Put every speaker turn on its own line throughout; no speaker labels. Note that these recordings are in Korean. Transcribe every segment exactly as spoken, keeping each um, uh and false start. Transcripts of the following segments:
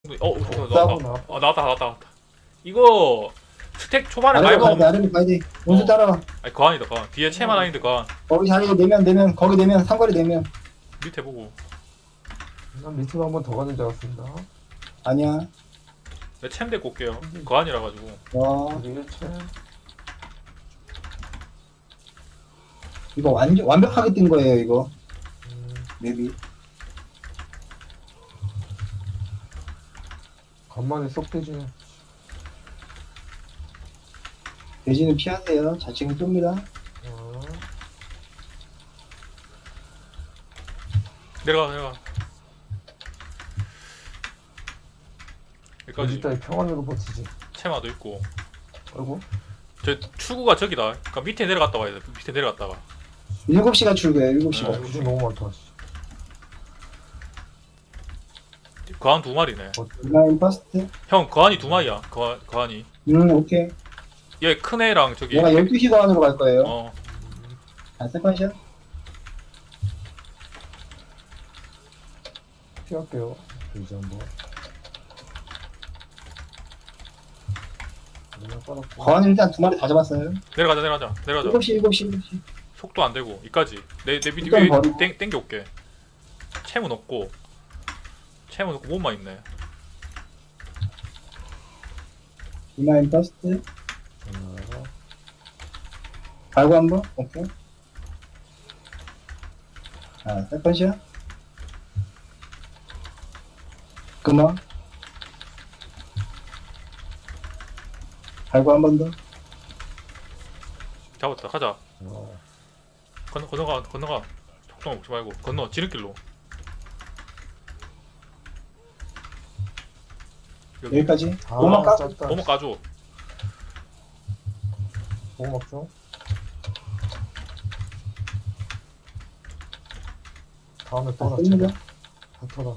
어, 어, 나왔다.
싸우고 나왔다.
어, 나왔다, 나왔다, 나왔다. 이거 스택 초반에 많이
아래로 가야 돼,
먹으면
아래로 가야 돼. 원수
어.
따라와.
아니 거한이다, 거한. 뒤에 채만 아닌데 거한.
거기 자리에 내면, 내면, 거기 내면, 상거리 내면.
밑에 보고.
난 밑으로 한 번 더 가는 줄 알았습니다.
아니야.
내 챔 데리고 올게요. 거한이라 가지고.
와,
우리 일 채.
이거 완전, 완벽하게 뜬 거예요, 이거.
음,
맵이.
간만에 쏙 되지네.
돼지는 피하세요. 자칭은 뜹니다.
어,
내려가, 내려가.
돼지
여기까지
따위 평안으로 버티지.
채마도 있고.
아이고.
저 출구가 저기다. 그러니까 밑에 내려갔다 와야 돼. 밑에 내려갔다가.
일곱 시가 출구예요, 일곱 시가.
네.
돼지 너무 많다. 씨.
거한 두 마리네.
어,
라인 퍼스트.
형, 거한이 두 마리야. 거한, 거한이.
음, 오케이.
얘 큰 애랑 저기.
내가 열두 시 거안으로 갈 거예요.
어.
아, 세컨샷.
피할게요. 돼지 한 번. 내가 빨았고.
거안 일단 두 마리 다 잡았어요.
내려가자, 내려가자, 내려가자.
일곱 시, 일곱 시, 일곱 시.
속도 안 되고 이까지. 내 내 밑
일단
위에
버리고.
땡 땡겨 올게. 채문 없고. 채문 없고 몸만 있네.
라인 퍼스트.
전화가.
갈고 한 번. 오케이. 아, 세컨샷. 그만. 갈고 한 번 더.
잡았다. 가자.
어,
건너 건너가 건너가. 속도 먹지 말고 건너 지름길로. 여기
여기까지.
아,
오만 까?
짧다.
몸을 까줘.
뭐 먹죠? 다음에
아,
또
뜹니다.
낮춰라. 다쳐라.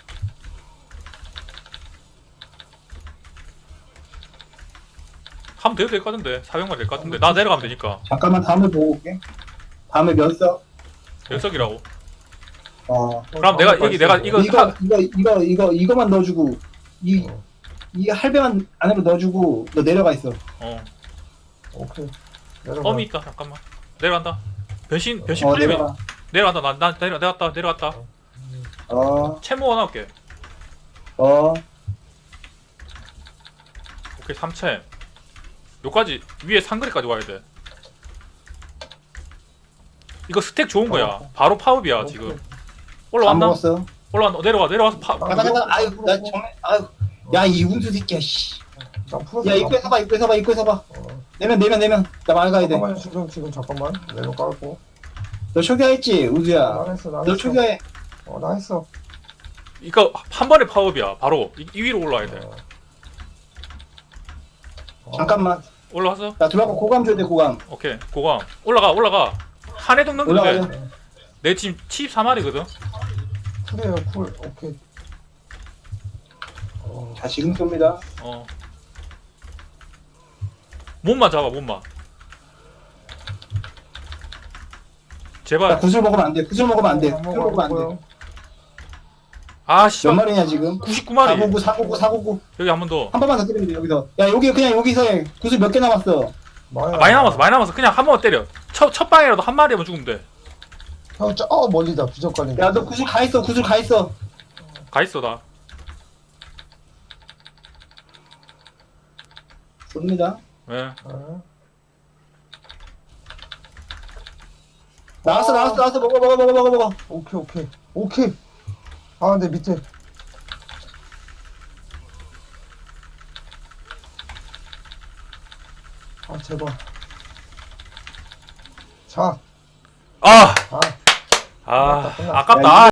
하면 돼도 될 것 같은데. 사백만 될 것 같은데. 나 내려가면 되니까.
잠깐만 다음에 보고 올게. 다음에 몇 석?
연석이라고.
어.
그럼 내가 여기 내가 이거
이거
하-
이거 이거 이거 이거만 넣어주고 이
어,
이 할배만 안으로 넣어주고 너 내려가 있어.
어.
오케이. 내려가.
펌이 있다. 잠깐만. 내려간다. 변신 변신
어
풀리면
내려가.
내려간다. 난 난 내려 내려갔다. 내려갔다.
음,
어
채모 하나 올게.
어.
오케이. 삼 채. 요까지 위에 상그리까지 와야 돼. 이거 스택 좋은 거야.
어.
바로 파업이야
오케이.
지금.
안
올라왔나?
먹었어.
올라왔나? 내려가 내려와서 파.
아,
잠깐 잠깐. 아유 나 정말 아유. 야 이 운수 새끼야 씨.
나 풀었어.
야 입구에 서봐 입구에 서봐 입구에 서봐.
어,
내면 내면 내면. 나 말가야 돼.
잠깐만 지금 지금 잠깐만. 내려 깔고.
너 초기화했지 우수야.
나 했어. 나
너
했어.
초기화해.
어, 나 했어.
이거 한 번에 파업이야. 바로 이, 이 위로 올라와야 돼.
어. 어.
잠깐만.
올라왔어?
나 들어가고 고감 줘야 돼 고감.
오케이. 고감. 올라가 올라가. 한 해동 넘기면 돼.
올라가요.
내 지금 칠십사 마리거든.
쿨이에요 쿨. 오케이. 어,
자 지금 쏩니다.
어. 몸만 잡아 몸만.
나
제발.
구슬 먹으면 안 돼. 구슬 먹으면 안 돼.
안
구슬
먹어,
먹으면
안
안 돼.
먹어요.
아 씨.
몇 마리냐 지금?
구십구 마리.
사구구 사구구 사구구.
여기 한 번 더.
한 번만 더 때리면 돼 여기서. 야 여기 그냥 여기서 해. 구슬 몇 개 남았어?
많이,
아, 많이 남았어 많이 남았어. 그냥 한 번만 때려. 첫, 첫 방이라도 한 마리만 죽으면 돼.
형, 저, 어, 멀리다. 비적 걸린다.
야 너 구슬 가 있어. 구슬 가 있어.
가 있어 나.
쏩니다.
예.
어?
나왔어 나왔어 나왔어. 먹어 먹어 먹어 먹어 먹어.
오케이, 오케이. 오케이. 아, 근데 밑에. 아, 제발. 자,
아.
아.
아.
끝났다, 끝났어.
아깝다.
야,